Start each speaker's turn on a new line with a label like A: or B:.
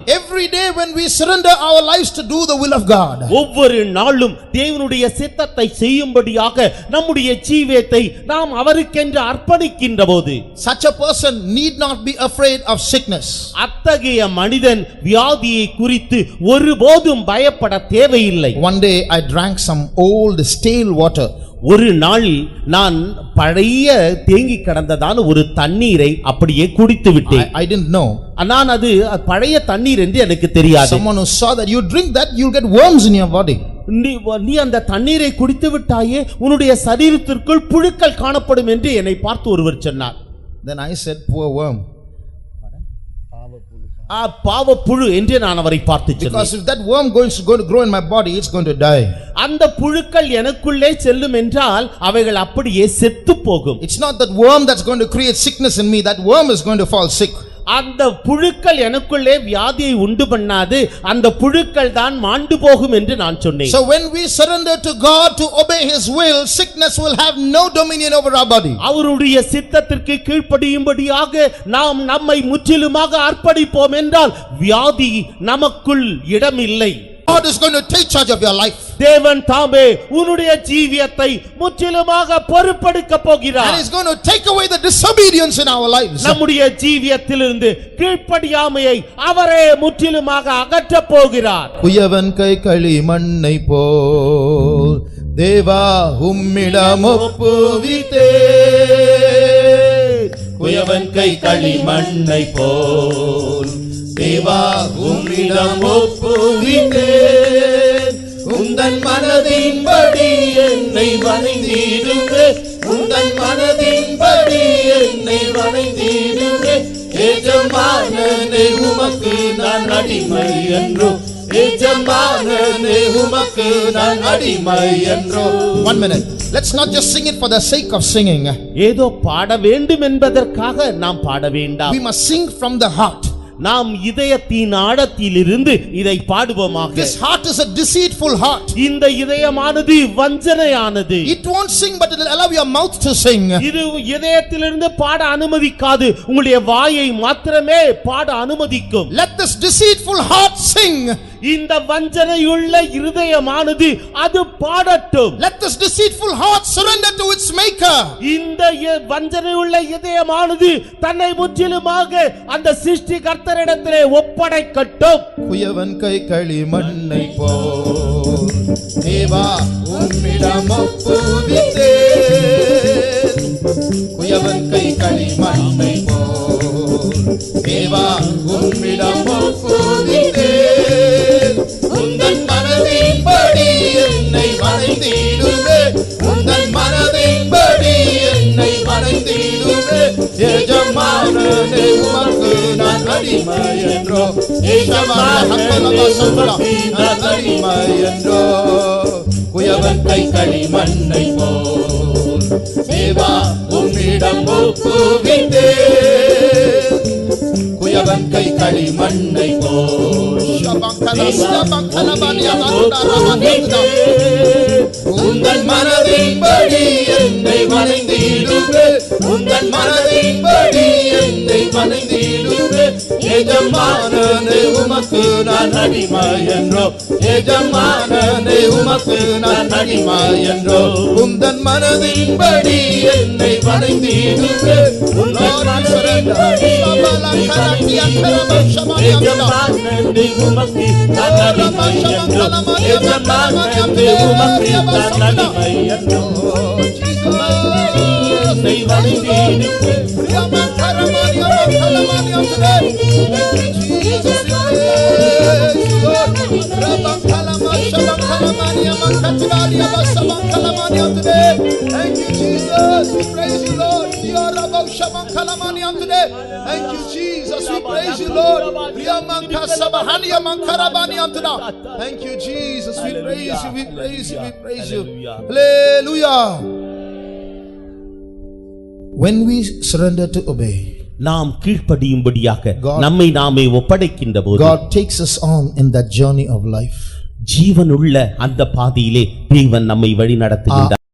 A: Every day when we surrender our lives to do the will of God,
B: ஒவ்வொரு நாளும் தேவனுடைய சித்தத்தை செய்யும்படியாக நம்முடைய ஜீவியத்தை நாம் அவருக்கென்று அர்ப்பணிக்கின்றபோது,
A: such a person need not be afraid of sickness.
B: அத்தகைய மனிதன் வியாதியை குறித்து ஒருபோதும் பயப்பட தேவையில்லை.
A: One day I drank some old stale water.
B: ஒரு நாள் நான் பழைய தேங்கி கிடந்ததான ஒரு தண்ணீரை அப்படியே குடித்து விட்டேன்.
A: I didn't know.
B: நான் அது பழைய தண்ணீர் என்று எனக்கு தெரியாது.
A: Someone who saw that you drink that, you'll get worms in your body.
B: நீ அந்த தண்ணீரை குடித்து விட்டாயே உன்னுடைய சரீரத்திற்குள் புழுக்கள் காணப்படும் என்று என்னை பார்த்து ஒருவர் சொன்னார்.
A: Then I said, poor worm.
B: பாவப்புழு என்று நான் அவரை பார்த்து சொன்னேன்.
A: Because if that worm going to grow in my body, it's going to die.
B: அந்த புழுக்கள் எனக்குள்ளே செல்லும் என்றால் அவைகள் அப்படியே செத்து போகும்.
A: It's not that worm that's going to create sickness in me. That worm is going to fall sick.
B: அந்த புழுக்கள் எனக்குள்ளே வியாதியை உண்டு பண்ணாது, அந்த புழுக்கள் தான் மாண்டு போகும் என்று நான் சொன்னேன்.
A: So when we surrender to God to obey his will, sickness will have no dominion over our body.
B: அவருடைய சித்தத்திற்கு கீழ்ப்படியும்படியாக நாம் நம்மை முற்றிலுமாக அர்ப்பணிப்போம் என்றால் வியாதி நமக்குள் இடமில்லை.
A: God is going to take charge of your life.
B: தேவன் தாமே உன்னுடைய ஜீவியத்தை முற்றிலுமாக பொறுப்பெடுக்க போகிறார்.
A: And he's going to take away the disobedience in our lives.
B: நம்முடைய ஜீவியத்திலிருந்து கீழ்ப்படியாமையை அவரே முற்றிலுமாக அகற்ற போகிறார்.
A: குயவன் கை களி மண்ணை போல் தேவா உம்மிடம் ஒப்புவித்தே.
C: குயவன் கை களி மண்ணை போல் தேவா உம்மிடம் ஒப்புவித்தேன். உந்தன் மனதின்படி என்னை வணைந்திடுவே. உந்தன் மனதின்படி என்னை வணைந்திடுவே. எஜமானனே உமக்கு நான் அடிமை என்றோ. எஜமானனே உமக்கு நான் அடிமை என்றோ.
A: 1 minute. Let's not just sing it for the sake of singing.
B: ஏதோ பாட வேண்டும் என்பதற்காக நாம் பாட வேண்டாம்.
A: We must sing from the heart.
B: நாம் இதயத்தின் ஆழத்திலிருந்து இதை பாடுவோமாக.
A: This heart is a deceitful heart.
B: இந்த இதயமானது வஞ்சனையானது.
A: It won't sing, but it will allow your mouth to sing.
B: இது இதயத்திலிருந்து பாட அனுமதிக்காது, உங்களுடைய வாயை மாத்திரமே பாட அனுமதிக்கும்.
A: Let this deceitful heart sing.
B: இந்த வஞ்சனையுள்ள இருதயமானது அது பாடட்டும்.
A: Let this deceitful heart surrender to its maker.
B: இந்த வஞ்சனையுள்ள இதயமானது தன்னை முற்றிலுமாக அந்த சிருஷ்டிகர்த்தரிடத்திலே ஒப்படைக்கட்டும்.
A: குயவன் கை களி மண்ணை போல் தேவா உம்மிடம் ஒப்புவித்தேன். குயவன் கை களி மண்ணை போல் தேவா உம்மிடம் ஒப்புவித்தேன். உந்தன் மனதின்படி என்னை வணைந்திடுவே. உந்தன் மனதின்படி என்னை வணைந்திடுவே. எஜமானனே உமக்கு நான் அடிமை என்றோ. எஜமானனே உமக்கு நான் அடிமை என்றோ. குயவன் கை களி மண்ணை போல் தேவா உம்மிடம் ஒப்புவித்தேன். குயவன் கை களி மண்ணை போல் உந்தன் மனதின்படி என்னை வணைந்திடுவே. உந்தன் மனதின்படி என்னை வணைந்திடுவே. எஜமானனே உமக்கு நான் அடிமை என்றோ. எஜமானனே உமக்கு நான் அடிமை என்றோ. உந்தன் மனதின்படி என்னை வணைந்திடுவே. உந்தன் மனதின்படி
C: எஜமானனே உமக்கு நான் அடிமை என்றோ. எஜமானனே உமக்கு நான் அடிமை என்றோ. என்னை வணைந்திடுவே.
A: Thank you, Jesus. We praise you, Lord. Thank you, Jesus. We praise you, Lord. Thank you, Jesus. We praise you. We praise you. We praise you. Hallelujah. When we surrender to obey,
B: நாம் கீழ்ப்படியும்படியாக நம்மை நாமே ஒப்படைக்கின்ற போது
A: God takes us on in that journey of life.
B: ஜீவனுள்ள அந்த பாதையிலே தேவன் நம்மை வழி நடத்துகின்றார்.